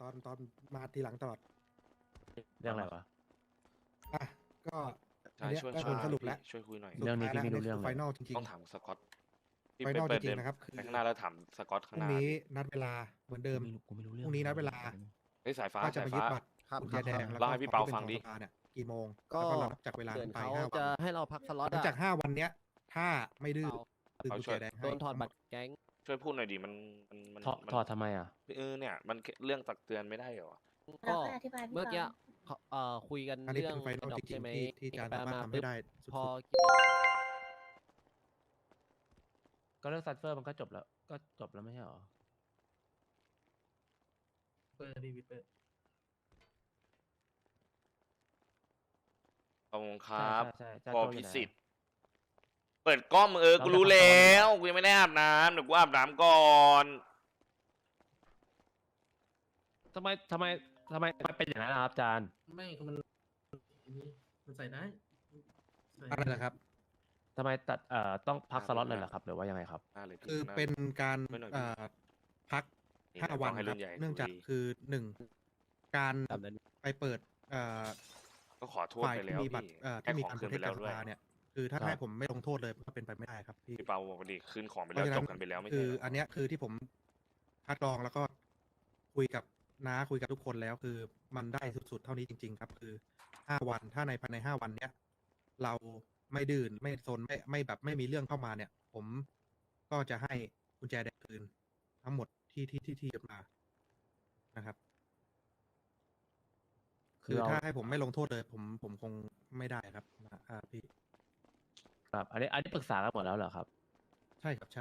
ตอนมาทีหลังตลอดเรื่องอะไรวะอ่ะก็อัใช่นเนี้ยช่วยก็ช่วยผลสรุปแล้วช่วยคุยหน่อยสุดเรื่องนี้ท้ายพี่ไม่รู้เรื่องไฟเลยนอลจริงต้องถามสกอตพี่ไฟไปนอลเปิดจริงเดินๆนะครับคือไปข้างหน้าแล้วถามสกอตพข้างรุ่หงน้านี้นัดเวลาเหมือนเดิมกูไม่รู้เรื่องพรุ่งนี้นัดเวลาเฮ้ยสายฟ้าก็จะสายมายึฟ้าดบัตรครับกุญแจแดงแล้วเล่าให้พี่เปาฟังดิขอสภาเนี่ยกี่โมงก็แล้วก็เรานับจากเวลาเหมือนไปเขา 5 วันจะให้เราพักสล็อตหลังอะจาก5 วันเนี้ยถ้าไม่ดื้อคือกุญแจแดงโดให้นถอดบัตรแก๊งช่วยพูดหน่อยดิมันถอดทำไมอ่ะเนี่ยมันเรื่องตักเตือนไม่ได้เหรอก็เราอธิบายพี่เมื่อกี้ฟังคุยกันอันนี้เรื่องเป็นไฟนอลดอจกริใช่งไหมๆที่จานสามารถทำให้ได้สุดพอก็เรื่องซัตเฟอร์มันก็จบแล้ว ก็จบแล้วไม่ใช่หรอเปิดดีวิเปิดขอบคุณครับใช่ใช่พอโจอยู่พิไหนสิทธิ์เปิดกล้องมึงกูรู้แล้วกูยังไม่ได้อาบน้ำเดี๋ยวกูอาบน้ำก่อนทำไมเป็นอย่างนั้นนะครับอาจารย์ไม่มันใส่ได้ใส่อะไรนะครับทำไมตัดต้องพักสล็อตเลยเหรอครับ หรือว่ายังไงครับหน้าเลยพี่คือหาเป็นการไม่หน่อยพักนี่ 5 วันต้องให้ครุ่รับนใหญ่เนื่องจากคุยคือ1การตามนั้นไปเปิดก็ขอโทษฝ่ายไปที่แล้วมีบัตรพี่ที่มีให้การของโปคืรนเทไปคแล้จาว กสด้วยภาเนี่ยคือถ้าครับให้ผมไม่ลงโทษเลยก็เป็นไปไม่ได้ครับพี่พี่เปาบอกว่าดิคืนของไปแล้วจบกันไปแล้วไม่คืใช่อเหรออันเนี้ยคือที่ผมคัดกรองแล้วก็คุยกับน้าคุยกับทุกคนแล้วคือมันได้สุดๆเท่านี้จริง ๆ ครับ คือ5 วันถ้าในภายใน5 วันเนี้ยเราไม่ดื้นไม่ซนไม่แบบไม่มีเรื่องเข้ามาเนี่ย ผมก็จะให้กุญแจแดงคืนทั้งหมดที่ยึดมานะครับ คือถ้าให้ผมไม่ลงโทษเลย ผมคงไม่ได้ครับพี่ครับ อันนี้ปรึกษากันหมดแล้วเหรอครับใช่ครับใช่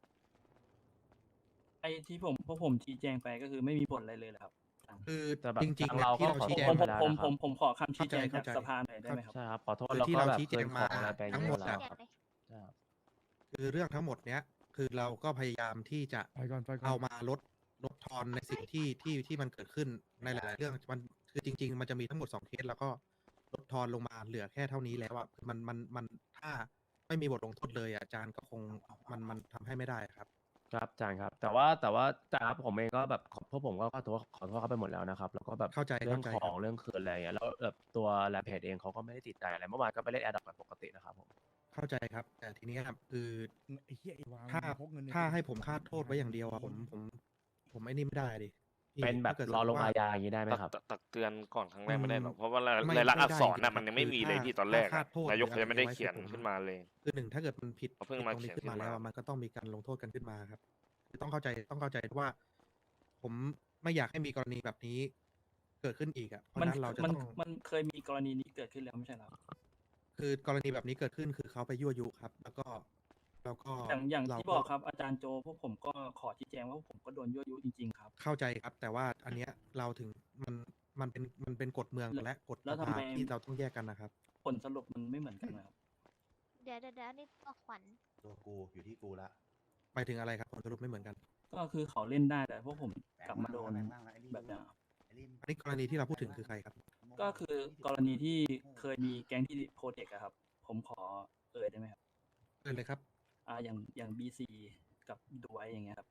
ไอ้ที่พวกผมชี้แจงไปก็คือไม่มีผลอะไรเลยเหรอครับคือแต่แบบจริงๆทางเนี่ยเราที่ก็เราขอชี้โทแจษงไปแล้วนะครับผมขอคำชี้แจงจากเข้าใจสภาหน่อยได้ไหมครับใช่ครับ ขอโทษคือแล้วที่ก็เราแบบชี้แจคืงนมาของอะไรไปทั้งหมดแล้วอะครับใช่ครับคือเรื่องทั้งหมดเนี้ยคือเราก็พยายามที่จะไปก่อนเอามาลดทอนในสิ่งที่มันเกิดขึ้นในหลาย ๆ เรื่องมันคือจริง ๆ มันจะมีทั้งหมด2 เคสแล้วก็ลดทอนลงมาเหลือแค่เท่านี้แล้วอะคือมันถ้าไม่มีบทลงโทษเลยอะอาจารย์ก็คงมันทำให้ไม่ได้ครับครับอาจารย์ครับ แต่ว่าอาจารย์ครับผมเองก็แบบพวกผมก็ขอโทษเขาไปหมดแล้วนะครับ แล้วก็แบบเข้าใจเรื่องเข้าใจขครัอบ งเรื่องคืนอะไรอย่างเงี้ยแล้วแบบตัวแลเพจเองเขาก็ไม่ได้ติดใจอะไรเมื่อวานก็ไปเล่นแอร์ดรอปปกตินะครับผมเข้าใจครับ แต่ทีนี้ครับคือไอ้เหี้ยไอ้วางถ้าพกเงินในถ้าให้กระผมเป๋คาดโทษไว้อย่างเดียวอะผมไอ้นี่ไม่ได้ดิพี่เป็นแบบถ้ากิดรอลงว่าอาญาอย่างนี้ได้ไหมครับตักเตือนก่อนครั้งแรกไม่ได้หรอกอืมเพราะว่าไม่รายลักษณ์ไม่อักษรได้น่ะมันยังไม่มีเลยคือพี่ตอนแรกถ้าอะคาดโทษนายกหรือยังไม่ได้อะไรไว้เขียนคือผมขึ้นมาเลยคือถ้าเกิดมันผิดเขาเพิ่งมาตรงนี้เขียนขึ้นมาขึ้นมาแล้วอะมันก็ต้องมีการลงโทษกันขึ้นมาครับคือต้องเข้าใจว่า ผมไม่อยากให้มีกรณีแบบนี้เกิดขึ้นอีกอะเพราะฉะนั้นเราจะต้องมันเคยมีกรณีนี้เกิดขึ้นแล้วไม่ใช่เหรอครับคือกรณีแบบนี้เกิดขึ้นคือเขาไปยั่วยุครับ แล้วก็อย่างเราที่บอกครับอาจารย์โจพวกผมก็ขอชี้แจงว่าพวกผมก็โดนยั่วยุจริงๆครับเข้าใจครับ แต่ว่าอันเนี้ยเราถึงมันเป็นกฎเมืองและกฎแล้วสทำภาไมที่เราต้องแยกกันนะครับผลสรุปมันไม่เหมือนกันนะครับเดี๋ยวนี่ตัวขวัญตัวกูอยู่ที่กูละหมายถึงอะไรครับผลสรุปไม่เหมือนกันก็คือเขาเล่นได้แต่พวกผมกลับมาโดนแบ่งบ้างละไอ้แบบเนี้ยครับไอ้ลิมอันนี้กรณีที่เราพูดถึงคือใครครับก็คือกรณีที่เคยมีแก๊งที่โปรเทคอะครับ ผมขอได้ไหมครับเชิญเลยครับอย่างBC กับดูไว้อย่างเงี้ยครับ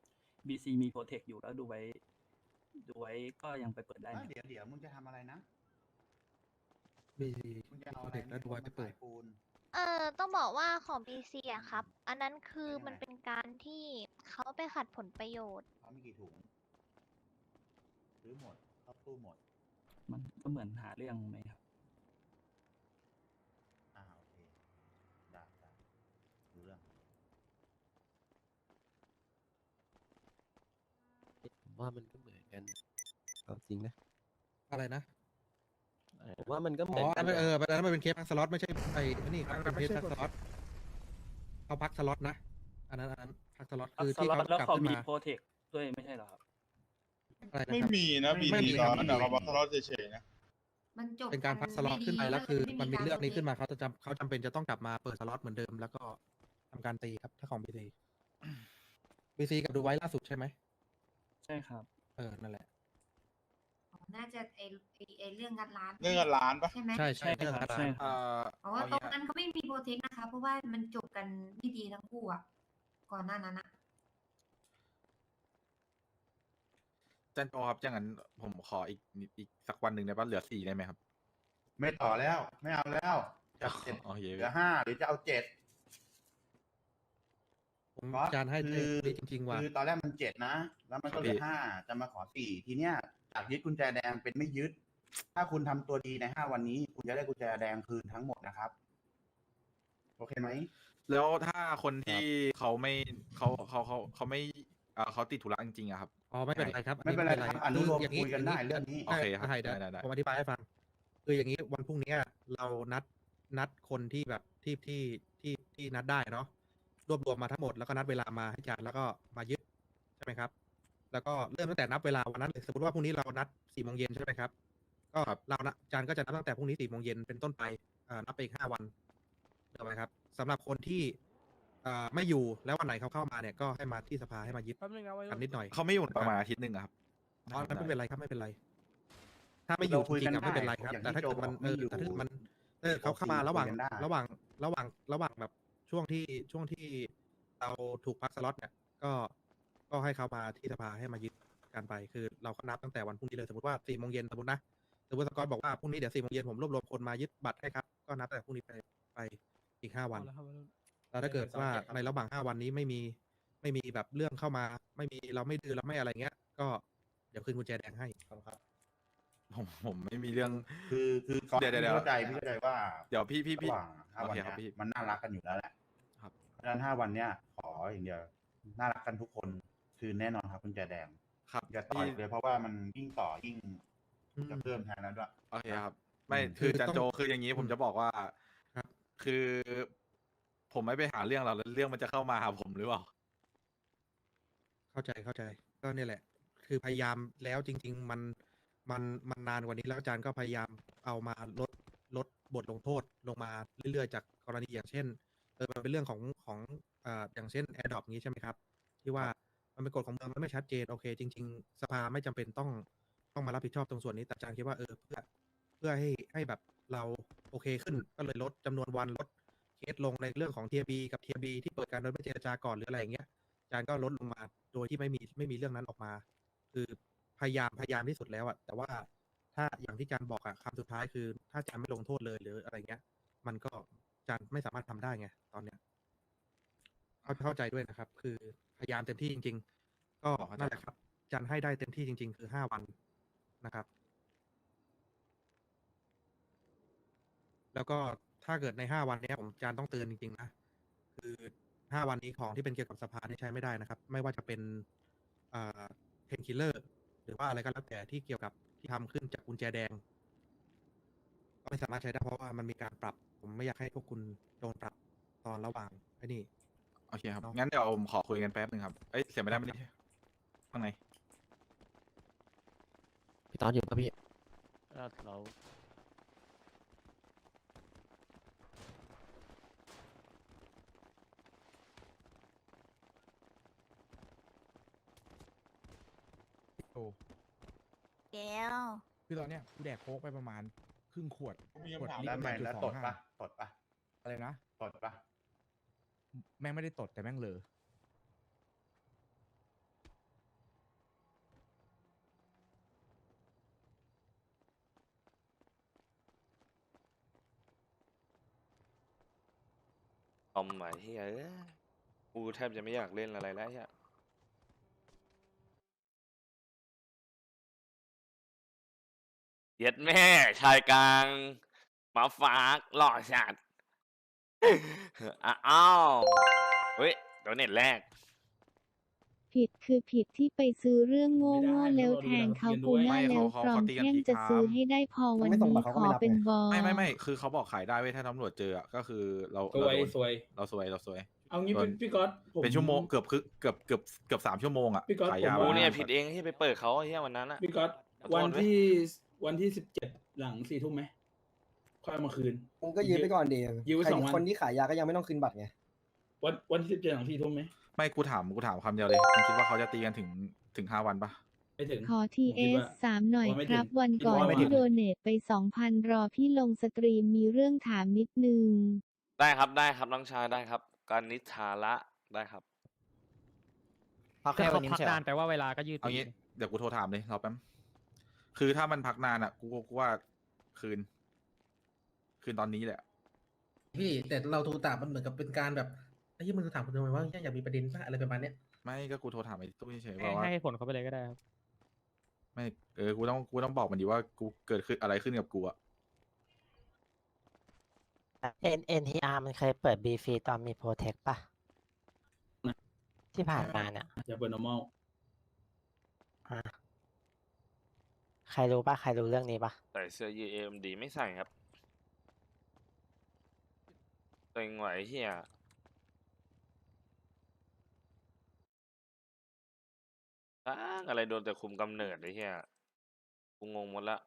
BC มีโปรเทคอยู่แล้วดูไว้ก็ยังไปเปิดได้ไหมเดี๋ยวมึงจะทำอะไรนะมีมึงจะเอาโปรอะไรเทคและดูไว้ไปเปิดปูนต้องบอกว่าของ BC อะครับ อันนั้นคือมันเป็นการที่เขาไปขัดผลประโยชน์เขามีกี่ถุงซื้อหมดเข้าตู้หมดมันก็เหมือนหาเรื่องไหมครับโอเคได้รู้เรื่องผมว่ามันก็เหมือนกันเอาจริงนะอะไรนะผมว่ามันก็เหอ๋มืออนกัอันนนั้นอันนั้นมันเป็นเคสพักสล็อตไม่ใช่นี่ครับเป็นเคสพักสล็อตเขาพักสล็อตนะอันนั้นพักสล็อตคือสที่ล็อเขาตแล้วกลับเขาขึ้นมีมาโปรเทคด้วยไม่ใช่เหรอครับอะไรนะไม่ครับมีนะบีไม่มีบีคตรัอบ นนั้นเขามาทะเลาะเฉยๆนะมันจบเป็นการพักสล็อตขึ้นไปแล้วคือ มันมีเรื่องนี้ขึ้นมาเขาจำเป็นจะต้องกลับมาเปิดสล็อตเหมือนเดิม แล้วก็ทำการตีครับถ้าของBC กับดูไว้ล่าสุดใช่ไหมใช่ครับนั่นแหละน่าจะไอเรื่องงัดร้านเรื่องเงินล้านปะใช่ไหมใช่ใช่ครับใช่ครับเพราะว่าตรงนั้นเขาไม่มีโปรเทคนะคะ เพราะว่ามันจบกันไม่ดีทั้งคู่อ่ะก่อนหน้านั้นอะจันโจครับอย่างนั้นผมขออีกสักวันหนึ่งได้ปะเหลือ4ได้ไหมครับไม่ต่อแล้ว ไม่เอาแล้วจาก7 โอเคเหลือ5หรือจะเอา7 ผมอาจารย์ให้ได้จริงๆว่าคือตอนแรกมัน7นะ แล้วมันก็เหลือ5จะมาขอ4ทีเนี้ยจากยึดกุญแจแดงเป็นไม่ยึด ถ้าคุณทำตัวดีใน5วันนี้ คุณจะได้กุญแจแดงคืนทั้งหมดนะครับ โอเคไหมแล้วถ้าคนที่เขาไม่เขาติดธุระจริงๆอะครับอ๋อไม่เป็นไรครับไม่เป็นไรครับอนุโลมอย่างคุยกันได้เรื่องนี้โอเคครับได้ได้ได้ผมอธิบายให้ฟัง คืออย่างนี้วันพรุ่งนี้เรานัดคนที่แบบที่นัดได้เนาะรวบรวมมาทั้งหมดแล้วก็นัดเวลามาให้อาจารย์แล้วก็มายึดใช่ไหมครับ แล้วก็เริ่มตั้งแต่นับเวลาวันนั้นเลยสมมติว่าพรุ่งนี้เรานัด4 โมงเย็นใช่ไหมครับก็เรานะอาจารย์ก็จะนับตั้งแต่พรุ่งนี้4 โมงเย็นเป็นต้นไปนับไปอีก5 วันถูกไหมครับสำหรับคนที่ไม่อยู่แล้ววันไหนเขาเข้ามาเนี่ยก็ให้มาที่สภาให้มายึดกันนิดหน่อยเขาไม่อยู่ประมาณอาทิตย์หนึ่งอะครับอ๋อไม่เป็นไรครับไม่เป็นไร ถ้าไม่อยู่จริงๆอะไม่เป็นไรครับอย่างแต่ที่ถ้าเกิดมันโจบอกไม่อยู่แต่ถ้าเกิดมันเขาเข้ามาระหว่างคุยกันได้ระหว่างแบบช่วงที่เราถูกพักสล็อตเนี่ยก็ให้เขามาที่สภาให้มายึดการไป คือเราก็นับตั้งแต่วันพรุ่งนี้เลยสมมติว่า4 โมงเย็นสมมตินะสมมติสกอตบอกว่าพรุ่งนี้เดี๋ยว4 โมงเย็นผมรวบรวมคนมายึดบัตรให้ครับก็นับตั้งแต่พรุ่งนี้ไปอีก5 วัน แล้วถ้าเกิดว่าในระหว่าง5 วันนี้ไม่มีแบบเรื่องเข้ามาไม่มีเราไม่ดื้อเราไม่อะไรเงี้ย ก็เดี๋ยวคืนกุญแจแดงให้ครับผมไม่มีเรื่องคือก่อนเดี๋ยวพี่เข้าใจว่าเดี๋ยวพี่ระหว่าง5 วันโอเคครับเนี้พี่ยมันน่ารักกันอยู่แล้วแหละครับเพราะฉะนั้น5 วันเนี้ยขออย่างเดียวน่ารักกันทุกคนคือแน่นอนครับกุญแจแดงครับอย่าต่อยพี่เลยเพราะว่ามันยิ่งต่อยิ่งจะเพิ่มแทนแล้วด้วยโอเคครับ ไม่อืมคือคือจันต้องโจคืออย่างนี้ผมจะบอกว่าครับคือ ผมไม่ไปหาเรื่องเราแล้วเรื่องมันจะเข้ามาหาผมหรือเปล่าเข้าใจก็เนี่ยแหละ คือพยายามแล้วจริง ๆ มันนานกว่านี้แล้วอาจารย์ก็พยายามเอามาลดบทลงโทษลงมาเรื่อยๆจากกรณีอย่างเช่นมันเป็นเรื่องของอย่างเช่น AirDrop นี้ใช่ไหมครับ ที่ว่ามันเป็นกฎของเมืองมันไม่ชัดเจนโอเค จริง ๆ สภาไม่จำเป็นต้องมารับผิดชอบตรงส่วนนี้แต่อาจารย์คิดว่าเพื่อให้แบบเราโอเคขึ้นก็เลยลดจำนวนวันลดเคสลงในเรื่องของ TB กับ TB ที่เปิดการโดยไม่เจรจาก่อนหรืออะไรอย่างเงี้ย อาจารย์ก็ลดลงมาโดยที่ไม่มีเรื่องนั้นออกมา คือพยายามที่สุดแล้วอะแต่ว่าถ้าอย่างที่อาจารย์บอกอะคำสุดท้ายคือ ถ้าอาจารย์ไม่ลงโทษเลยหรืออะไรเงี้ย มันก็อาจารย์ไม่สามารถทำได้ไงตอนเนี้ยเข้าใจด้วยนะครับ คือพยายามเต็มที่จริง ๆ ก็นั่นแหละครับอาจารย์ให้ได้เต็มที่จริง ๆ คือ5 วันนะครับ แล้วก็ถ้าเกิดใน5 วันเนี้ยผมอาจารย์ต้องเตือนจริงๆนะ คือ5 วันนี้ของที่เป็นเกี่ยวกับสภานี่ใช้ไม่ได้นะครับ ไม่ว่าจะเป็นเพนคิลเลอร์หรือว่าอะไรก็แล้วแต่ที่เกี่ยวกับที่ทำขึ้นจากกุญแจแดง ก็ไม่สามารถใช้ได้เพราะว่ามันมีการปรับ ผมไม่อยากให้พวกคุณโดนปรับตอนระหว่างไอ้นี่โอเคครับเนาะงั้นเดี๋ยวผมขอคุยกันแป๊บหนึ่งครับ เอ้ยเสียไม่ได้ไม่ได้ข้างในพี่ตอนอยู่ปะพี่เราแก้วคือตอนเนี้ยกูแดกโค้กไปประมาณครึ่งขวดมีคำถามลิแล้วตรไม่ 1.25 แล้วตดปะอะไรนะตดปะแม่งไม่ได้ตดแต่แม่งเลอเอาใหม่เฮ้ยกูแทบจะไม่อยากเล่นอะไรแล้วเฮียเย็ดแม่ชายกลางหมาฝากหล่อจัด อ้าวเฮ้ยเดี๋ยวเน็ตแรกผิดคือผิดที่ไปซื้อเรื่องโง่ๆแล้วแทงเขากูหน้าแล้วกรอมแท่งจะซื้อให้ได้พอวันนี้ขอเป็นบอไม่คือเขาบอกขายได้เว้ยถ้าตำรวจเจออะก็คือเราสวยโดนสวยเราซวยเอางี้โดนพี่ก๊อตผมเป็นชั่วโมงเกือบ3 ชั่วโมงอะพี่ก๊อตขายยาผมกูว่าเนี่ยผิดเองที่ไปเปิดเขาเฮียวันนั้นอะพี่ก๊อตขอโทษวันที่17หลัง4 ทุ่มไหมค่อยเอามาคืนผมก็ยืมไปก่อนดียืมไว้ใคร 2 วันคนที่ขายยาก็ยังไม่ต้องคืนบัตรไงวันที่17หลัง4 ทุ่มไหมไม่กูถามคำเดียวเลยมึงคิดว่าเขาจะตีกันถึง5 วันปะไม่ถึงขอผมคิดว่า TS 3 หน่อยไม่คถึงรับ วันก่อนไม่ถึที่งโดเนทไป 2,000 รอพี่ลงสตรีมมีเรื่องถามนิดนึงได้ครับน้องชายได้ครับ การนิทาระได้ครับพักแค่วันนี้ใช่ไหมแปลว่าเวลาก็ยืดเอางี้เดี๋ยวกูโทรถามเลยรอแป๊บคือถ้ามันพักนานอ่ะกูว่าคืนตอนนี้แหละพี่แต่เราโทรตามมันเหมือนกับเป็นการแบบไอ้ที่มึงถามกูทำไมว่าอยากมีประเด็นป่ะอะไรประมาณเนี้ยไม่ก็กูโทรถามไอ้ตู้เฉยๆบอกว่าให้ผลเขาไปเลยก็ได้ครับไม่กูต้องบอกมันดีว่ากูเกิดขึ้นอะไรขึ้นกับกูอะ NTR มันเคยเปิด B ฟรีตอนมีโปรเทคป่ะ ที่ผ่านมาเนี่ยจะเปิด normal ใครรู้ป่ะ ใครรู้เรื่องนี้ป่ะใส่เสื้อ AMD ไม่ใส่ครับเต็งไหวเฮียอะไรโดนแต่คุมกำเนิดไอ้เฮียกูงงหมดละ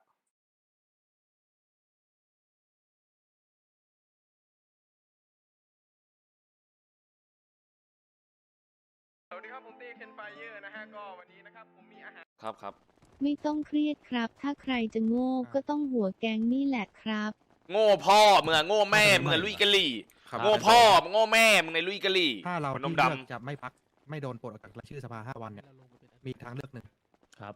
สวัสดีครับผมตีเคนไฟเยอร์นะฮะก็วันนี้นะครับผมมีอาหารครับไม่ต้องเครียดครับ ถ้าใครจะโง่ก็ต้องหัวแก๊งนี่แหละครับโง่พ่อมึงอะโง่แม่มึงอะลุยกะลี่ครับโง่พ่อมึงโง่แม่มึงในลุยกะลี่ถ้าเราคนนที่มเลือกดำจะไม่พักไม่โดนปลดออกจากรายชื่อสภา5 วันเนี่ยมีทางเลือกหนึ่งครับ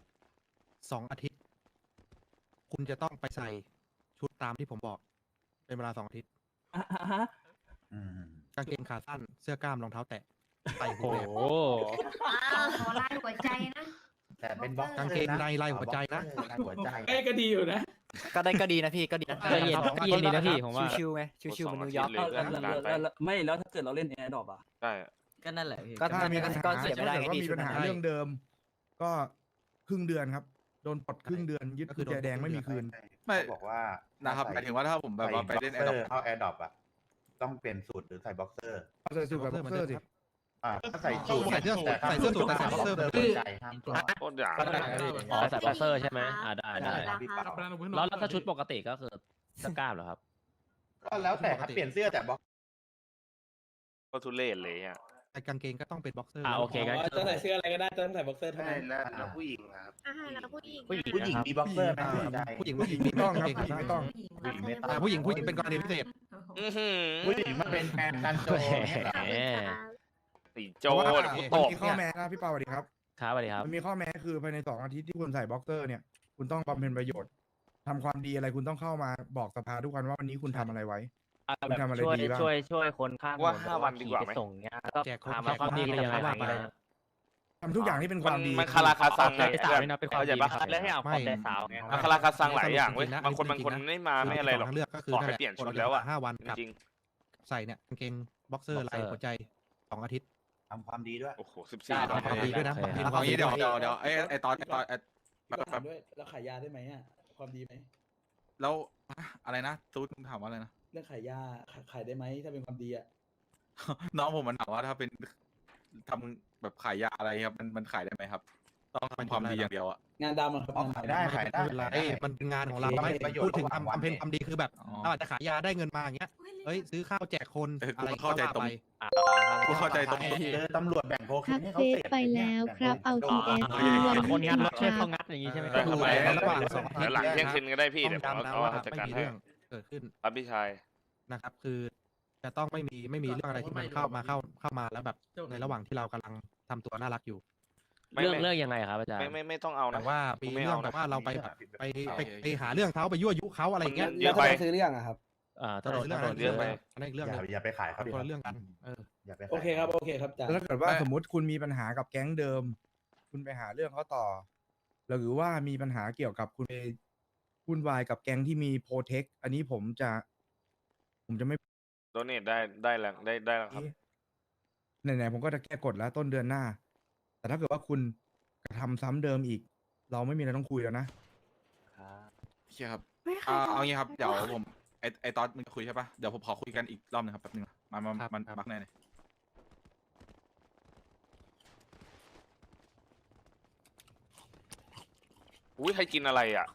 2 อาทิตย์ คุณจะต้องไปใส่ชุดตามที่ผมบอก เป็นเวลา2 อาทิตย์อืมกางเกงขาสั้นเสื้อกล้ามรองเท้าแตะใส่หูโอ้แหลมโหขอลายหัวใจนะแต่เป็นบล็อกกางเกงในลายหัวใจนะลายหัวใจก็ดีอยู่นะก็ดีนะพี่ ก็ดีนะก็เย็นก็เย็นดีนะพี่ผมว่าชิวๆไหมชิวๆมันนิวยอร์กเลยเพื่อนนานไปไม่แล้วถ้าเกิดเราเล่นแอร์ดรอปอ่ะใช่ก็นั่นแหละพี่ถ้ามีปัญหาก็เสียไม่ได้ถ้าเกิดว่าพี่มีปัญหาใช่เรื่องเดิม ก็ครึ่งเดือนครับ โดนปลดครึ่งเดือน ยึดกุญแจแดงไม่มีคืนไม่เขาบอกว่านะครับหมายถึงว่าถ้าผมแบบว่าไปเล่นแอร์ดรอปเข้าแอร์ดรอปอะต้องเปลี่ยนสูตรหรือใส่บ็อกเซอร์เอาใส่สูทกับบ็อกเซอร์สิถ้าใส่สูตรใส่เสื้อสูทใส่เสื้อสูทแต่ใส่บ็อกเซอร์หัวใจห้ามปลดโคตรหยาบอ๋อใส่บ็อกเซอร์ใช่ไหมได้ใช่ครับพี่เปาแล้วถ้าชุดปกติก็คือเสื้อกล้ามเหรอครับก็แล้วแต่ครับเปลี่ยนเสื้อแต่บ็อกก็ทุเรศเลยอ่ะแต่กางเกงก็ต้องเป็นบ็อกเซอร์โอเคงั้นจะใส่เสื้ออะไรก็ได้ต้องใส่บ็อกเซอร์เท่านั้นแล้วผู้หญิงครับแล้วผู้หญิงผู้หญิงมีบ็อกเซอร์ไหมหัวใจผู้หญิงไม่ต้องครับผู้หญิงไม่ต้องผู้หญิงไม่ต้องผู้หญิงเป็นกรณีพิเศษอื้อหือผู้หญิงมาเป็นแฟนกันโจเนี่ยเหรอแหมตีโจเพราะว่าเดี๋ยวกูมัตนบมีข้อแม้นะพี่เปาสวัสดีครับครับสวัสดีครับมันมีข้อแม้คือภายใน2 อาทิตย์ที่คุณใส่บ็อกเซอร์เนี่ย คุณต้องบำเพ็ญประโยชน์ทำความดีอะไรคุณต้องเข้ามาบอกสภาทุกวันว่าวันนี้คุณทำอะไรไว้ คุณทำอะไรดีบ้างช่วยคนข้างว่า5 วันดีกว่าไหมส่งเงี้ยก็แจกคนพามาความดีก็ยังไงว่าไปทำทุกอย่างที่เป็นความดีมันคาราคาซังไงใจสาวนี่นะเป็นความเข้าใจดีปะครับแล้วให้เอาความใจสาวไงมันคาราคาซังหลายอย่างเว้ยจริงๆนะบางคนไม่มาไม่อะไรหรอกทางเลือกก็คือขอให้เปลี่ยนชุดแล้วอะ 5 วันกับจริงใส่เนี่ยกางเกงบ็อกเซอร์ลายหัวใจ 2 อาทิตย์ทำความดีด้วยโอ้โหได้ 14 ความดีด้วยนะเอางี้เดี๋ยวไอ้ตอนแป๊บด้วยแล้วขายยาได้ไหมอ่ะความดีไหมแล้วอะไรนะตูดมึงถามว่าอะไรนะเรื่องขายยาขายได้ไหมถ้าเป็นความดีอ่ะน้องผมมันถามว่าถ้าเป็นทำแบบขายยาอะไรครับมันขายได้ไหมครับ ต้องทำความดีอย่างเดียวอะงานดำอะครับอ๋อขายได้ขายได้ไม่เป็นไรมันเป็นงานของเราโอเคไม่ประโยชน์พูดถึงระหว่างวันทำเพนความดีคือแบบอ๋อเราอาจจะขายยาได้เงินมาอย่างเงี้ยเฮ้ยซื้อข้าวแจกคนกูอะไรเข้าใจก็ว่ตรงไปกูเข้าใจตรงเจอตำรวจแบ่งโคเคนทักให้เฟเขาซเสพไปแล้วครับ เอา TS คนวันงานรถช่วยคเขารับงัดอย่างงี้ใช่ไหมได้ครับระหว่าง2 อาทิตย์หลังเที่ยงคืนก็ได้พี่ต้เดี๋อย งวผมย้ำนะเอาว่าจัดไม่การมีให้เรื่องเกิดขึ้นครับพี่ชายนะครับ คือจะต้องไม่มีเรื่องอะไรที่มันเข้ามาแล้วแบบในระหว่างที่เรากำลังทำตัวน่ารักอยู่ไม่เรื่องยังไงครับอาจารย์ไม่ต้องเอานะแต่ว่ามีไม่เรื่อเอางนะแบบว่าเราไปแบบไปหาเรื่องเขาไปยั่วยุเขาอะไรอย่างเงี้ยเยอะไปซื้อเรื่องอะครับถ้าโดนเรื่องถ้าอะโดไรนเยอะไปอันนั้นอีกเรื่องหนึงอย่าไปขายเขาดิคนละเรื่องกันเอออย่าไปขายโอเคครับจ่าแล้วถ้าเกิดว่าสมมติคุณมีปัญหากับแก๊งเดิม คุณไปหาเรื่องเขาต่อ หรือว่ามีปัญหาเกี่ยวกับคุณไปวุ่นวายกับแก๊งที่มีโปรเทค อันนี้ผมจะไม่โดเนทได้แล้วครับไหนๆผมก็จะแก้กฎแล้วต้นเดือนหน้า แต่ถ้าเกิดว่าคุณกระทำซ้ำเดิมอีก เราไม่มีอะไรต้องคุยแล้วนะโอเคครับเอางี้ครับเดี๋ยวผมไอ้ตอนมึงจะคุยใช่ปะเดี๋ยวผมขอคุยกันอีกรอบหนึงครับแป๊บนึงมันบักแน่เลยอุ้ยใครกินอะไรอ่ะ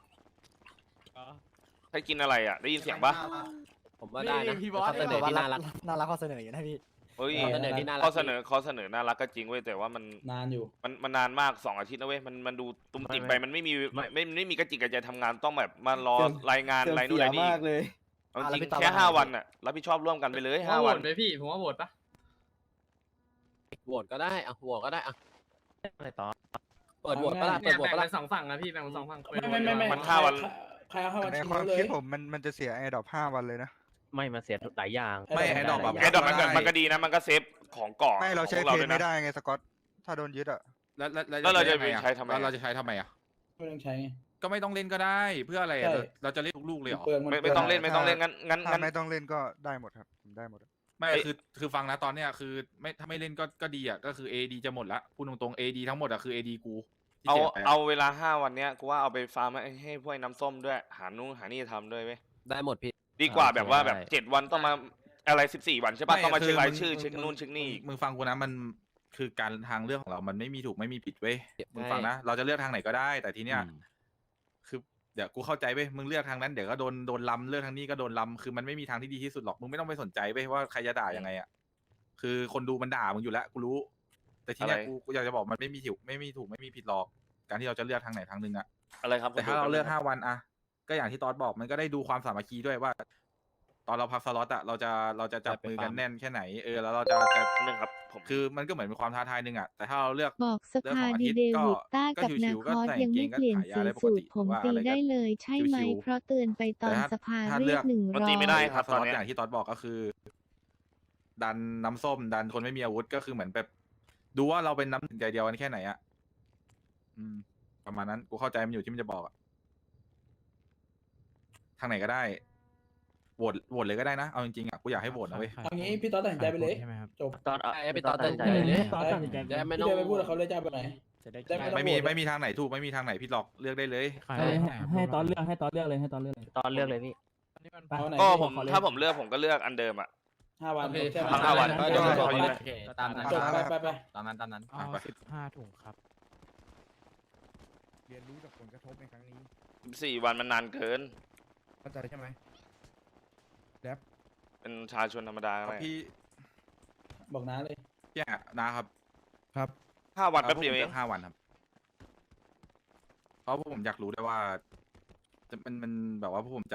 ใครกินอะไรอ่ะ ได้ยินเสียงปะผมว่าได้นะข้อเสนอที่น่ารักน่ารักข้อเสนออยู่นะพี่เฮ้ยข้อเสนอที่น่ารักข้อเสนอน่ารักก็จริงเว้ยแต่ว่ามันนานอยู่มันนานมาก2 อาทิตย์นะเว้ยมันดูตุ้มติ่มไปมันไม่มีกระจิกกระใจทำงานต้องแบบมารอรายงานอะไรนู่นอะไรนี่เอาจริงแค่5 วันน่ะรับผิดชอบร่วมกันไปเลย5 วันไหมพี่ผมว่าโหวตปะโหวตก็ได้อะโหวตก็ได้อะอะไรต่อเปิดโหวตปะล่ะเปิดโหวตปะล่ะสองฝั่งนะพี่แบ่งเป็นสองฝั่งไม่มัน5 วันใครเอา5 วันในชิงความเลยคิดผมมันจะเสียไอ้ดอก5 วันเลยนะไม่มาเสียหลายอย่างไม่ไอ้ดอกแบบไอ้ดอกมันก็ดีนะมันก็เซฟของเกาะไม่เราใช้ของเทรด้นวยไม่นะได้ไงสกอตถ้าโดนยึดอะแล้วเราจะไปใช้ทำไมแล้วเราจะใช้ทำไมอ่ะไม่ต้องใช้ไงก็ไม่ต้องเล่นก็ได้เพื่ออะไรอะใช่เราจะเล่นทุกลูกเลยเหรอเปลืองไม่ต้องเล่นงั้นถ้าไม่ต้องเล่นก็ได้หมดครับผมได้หมดอะไม่คือฟังนะตอนเนี้ยคือไม่ถ้าไม่เล่นก็ดีอ่ะก็คือ AD จะหมดละพูดตรงๆ AD ทั้งหมดอ่ะคือ AD กูที่เอาสียไปะเอาเวลา5 วันเนี้ยกูว่าเอาไปฟาร์มให้พวกน้ำส้มด้วยหานู่นหานี่ทำด้วยเว้ยได้หมดพี่ดีกว่าแบบว่าได้แบบ7 วันต้องมาอะไร14 วันใช่ปะไม่ต้องมาคืเช็ครายมึงชื่อเช็คนู่นเช็คนี่อีกมึงฟังกูนะมันคือการทางเลือกของเรามันไม่มีถูกไม่มีผิดเว้ยใช่มึงฟังนะเราจะเลือกทางไหนก็ได้ แต่ทีเนี้ยคือเดี๋ยวกูเข้าใจเว้ยมึงเลือกทางนั้นเดี๋ยวก็โดนล้ำเลือกทางนี้ก็โดนล้ำคือมันไม่มีทางที่ดีที่สุดหรอกมึงไม่ต้องไปสนใจเว้ยว่าใครจะด่ายังไงอ่ะคือคนดูมันด่ามึงอยู่แล้วกูรู้ แต่ทีเนี้ยอะไรกูอยากจะบอกมันไม่มีถูกไม่มีผิดหรอกการที่เราจะเลือกทางไหนทางหนึงอ่ะอะไรครับแต่ถ้าเราเลือก5 วันอะก็อย่างที่ตอสบอกมันก็ได้ดูความสามัคคีด้วยว่า ตอนเราพักสล็อตอะเราจะจับมือกันแน่นแค่ไหนแล้วเราจะนึงครับผมคือมันก็เหมือนเป็นความท้าทายหนึ่งอะแต่ถ้าเราเลือกบอกสเรื่องภาของอาดีทิตย์เดก็วิดต้าก็กับนาชิวๆคก็อสใส่ยังไม่กางเกงเปลี่ยนขายาวสีได้ปกสูติตรผมว่าตีอะไรก็ได้เลยใช่ไหมชิวๆเพราะเตือนไปตอนแต่ถ้าสภาถ้าเรียกมันตีไม่ได้ 100 ครับสตอนล็อตเนี้ยอย่างที่ตอสบอกก็คือ ดันน้ำส้มดันคนไม่มีอาวุธก็คือเหมือนแบบดูว่าเราเป็นน้ำหนึ่งใจเดียวกันแค่ไหนอะประมาณนั้นกูเข้าใจมันอยู่ที่มันจะบอกอะทางไหนก็ได้โหวตเลยก็ได้นะเอาจริงๆอะกูอยากให้โหวตนะเว้ยเอางี้พี่ต๊อดตัดสินใจไปเลยจบตอนไอ้พี่ตอสตัดสินใจเลยตอดตัดสินใจจะไม่ต้องไปพูดกับเขาเลยจะไปไหนจะได้ได้ไม่มีทางไหนถูกไม่มีทางไหนพี่หลอกเลือกได้เลยให้ตอนเลือกให้ตอนเลือกเลยให้ตอนเลือกเลยตอนเลือกเลยพี่ก็ผมถ้าผมเลือกผมก็เลือกอันเดิมอ่ะ 5 วันใช่ไหมพัก5 วันจบเขาอยู่ตามนั้นจบไปตามนั้นไป 15 ถุงครับเรียนรู้จากผลกระทบในครั้งนี้ 14 วันมันนานเกินเข้าใจใช่ไหมแรปเป็นชาชนธรรมดาก็ได้พี่บอกน้าเลยพี่อะนะครับครับ 5 วันแป๊บเดียวเอง 5 วันครับเพราะพวกผมอยากรู้ด้วยว่ามันแบบว่าพวกผม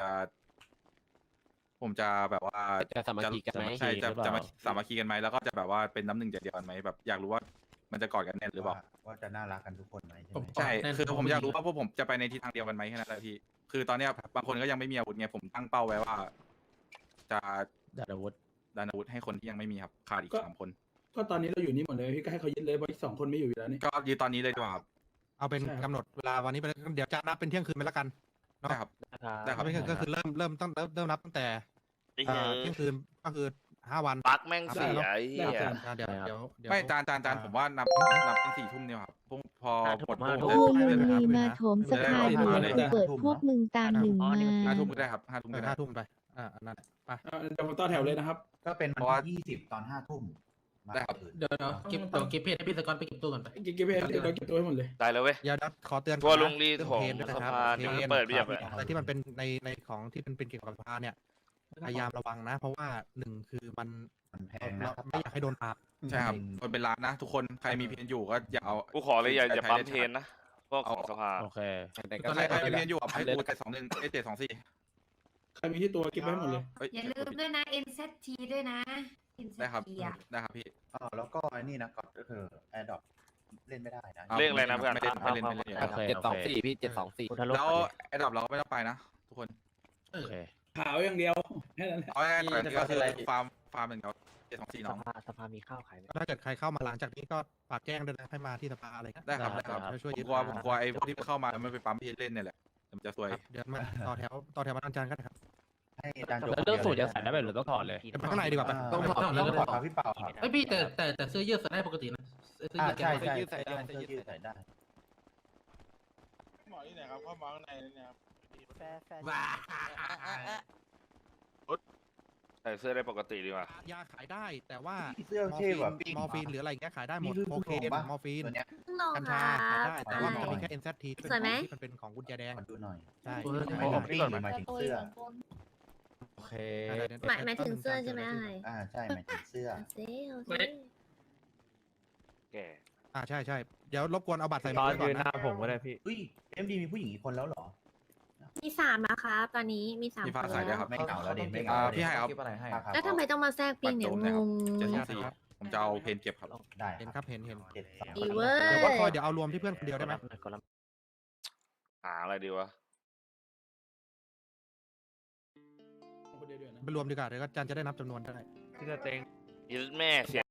จะแบบว่าจะสามัคคีกันไหมใช่จะหรือเปล่าจะมาสามัคคีกันไหมแล้วก็จะแบบว่าเป็นน้ำหนึ่งใจเดียวกันไหมแบบอยากรู้ว่ามันจะกอดกันแน่นหรือเปล่าว่าจะน่ารักกันทุกคนไหมใช่ไหมใช่คือผมอยากรู้ว่าพวกผมจะไปในทิศทางเดียวกันไหมแค่นั้นแหละพี่คือตอนเนี้ยบางคนก็ยังไม่มีอาวุธไงผมตั้งเป้าไว้ว่า จะดัดอาวุธดันอาวุธให้คนที่ยังไม่มีครับขาดอีก3 คนก็ตอนนี้เราอยู่นี่หมดเลยพี่ก็ให้เขายึดเลยเพราะอีก2 คนไม่อยู่แล้วนี่ก็ยืนตอนนี้เลยดีกว่าครับเอาเป็นใช่ครับกำหนดเวลาวันนี้ไปเลยเดี๋ยวจะนับเป็นเที่ยงคืนไปแล้วกันเนาะได้ครับ ได้ครับไม่ก็คือเริ่มนับตั้งแต่ไอ้เหี้ยเที่ยงคืนก็คือ5 วันปลั๊กแม่งเสียไอ้เหี้ยเดี๋ยวไม่จานผมว่านับเป็น4 ทุ่มเนี่ยครับพอหมดพวกมึงมีมาโถมสภาเดือดกูเปิดพวกมึงตามหนึ่งมา 5 ทุ่มก็ได้ครับ5 ทุ่มก็ได้ 5 ทุ่มไปอันนั้นไปเดี๋ยวผมต่อแถวเลยนะครับก็เป็นเพราะว่าวันที่20 ตอน 5 ทุ่มมาได้ครับอื่นเดี๋ยวเก็บเพจให้พี่สกอตไปเก็บตู้ก่อนไปเก็บเดี๋ยวเก็บตัวให้หมดเลยได้เลยเว้ยอย่าขอเตือนทัวร์ลงรีเรื่องของเพจด้วยนะครับสภาเดี๋ยวมันเปิดเรียบเลยอะไรที่มันเป็นในของที่เป็นเกี่ยวกับสภาเนี่ยพยายามระวังนะ เพราะว่า1คือมันมันแพงเรานะครับไม่อยากให้โดนปราบใช่ครับคนเป็นร้านนะ ทุกคนใครมีเพียนอยู่ก็อย่าเอากูขอเลยอย่าปั๊มเทรนนะพวกของสภาโอเคแต่ก็ใครมีเพียนอยู่เอาให้กู721 724 ใครมีที่ตัวเก็บไว้ให้หมดเลยอย่าลืมด้วยนะ NZT ด้วยนะ NZT ได้ครับอ่ะได้ครับพี่แล้วก็ไอ้นี่นะก็คือแอร์ดรอปเล่นไม่ได้นะเลขอะไรนะเพื่อนไม่เล่นไม่เล่นไม่เล่นโอเค 724พี่724 พุทธโลกแล้วไอ้ดอกเราก็ไม่ต้องไปนะ ทุกคนโอเคขาวอย่างเดียวแค่นั้นแหละเอาง่ายๆก่อนก็คือฟาร์มเหมือนเขา724น้องสภามีข้าวขายไหมถ้าเกิดใครเข้ามาหลังจากนี้ก็ฝากแจ้งด้วยนะให้มาที่สภาอะไรเงี้ยได้ครับได้ครับช่วยผยึมดกลัวไอ้พวกที่เข้ามาแล้วไม่ไปปั๊มพี่เล่นเนี่ยแหละมันจะซวยครับเดี๋ยวมาต่อแถววันจันทร์กันนะครับให้อาจารย์โจแล้วเรื่องสูตรจะใส่ได้ไหมหรือต้องถอดเลยเดี๋ยวไปข้างในดีกว่าไปต้องถอดต้องถอดครับพี่เปล่าครับเอ้ยพี่แต่เสื้อยืดใส่ได้ปกตินะเสื้อยืดแกใช่ไม่ใช่ยืดใส่ได้เสื้อยืดใส่ได้หมอที่ไหนครับเข้ามาข้างในเนี่ยครับว้าใส่เสื้อได้ปกติดีกว่ายาขายได้แต่ว่าเสื้อเท่แบบปิ้งมอร์ฟีนหรืออะไรเงี้ยขายได้หมดนี่คือโอเคคุณลงปะมอร์ฟีนตัวเนี้ยลองกัญคชารัขายบได้แต่ว่ามันจะมีแค่ NZT ที่เป็นสวยไหมที่มันเป็นของกุญแจแดงขอดูหน่อยใช่หมายถึงปิ้งหรือหมายถึงเสื้อโอเคหมายถึงเสื้อใช่ไหมอะไรใช่หมายถึงเสื้อเอาซิเอาซิแกใช่เดี๋ยวรบกวนเอาบัตรใส่ตมาอนไว้ก่อยืนนหนะน้าผมก็ได้พี่อุ้ยMD มีผู้หญิงอีกคนแล้วเหรอมี3นะครับตอนนี้มี3 พี่คฟ้าน ใส่ด้วยครับไม่เหงาแล้วเด็ไม่เหงาพี่ให้ครับครับแล้วทำไมต้องมาแทรกปิงเนี่ยงง 724 ผมจะเอาเพนเก็บครับได้เห็นครับเห็นดีเว้ยเดี๋ยวก็คอยเดี๋ยวเอารวมที่เพื่อนคนเดียวได้ไหมหาอะไรดีวะไปรวมดีกว่าเดี๋ยวก็จันจะได้นับจำนวนได้พี่สเต็งยึดแม่เสีย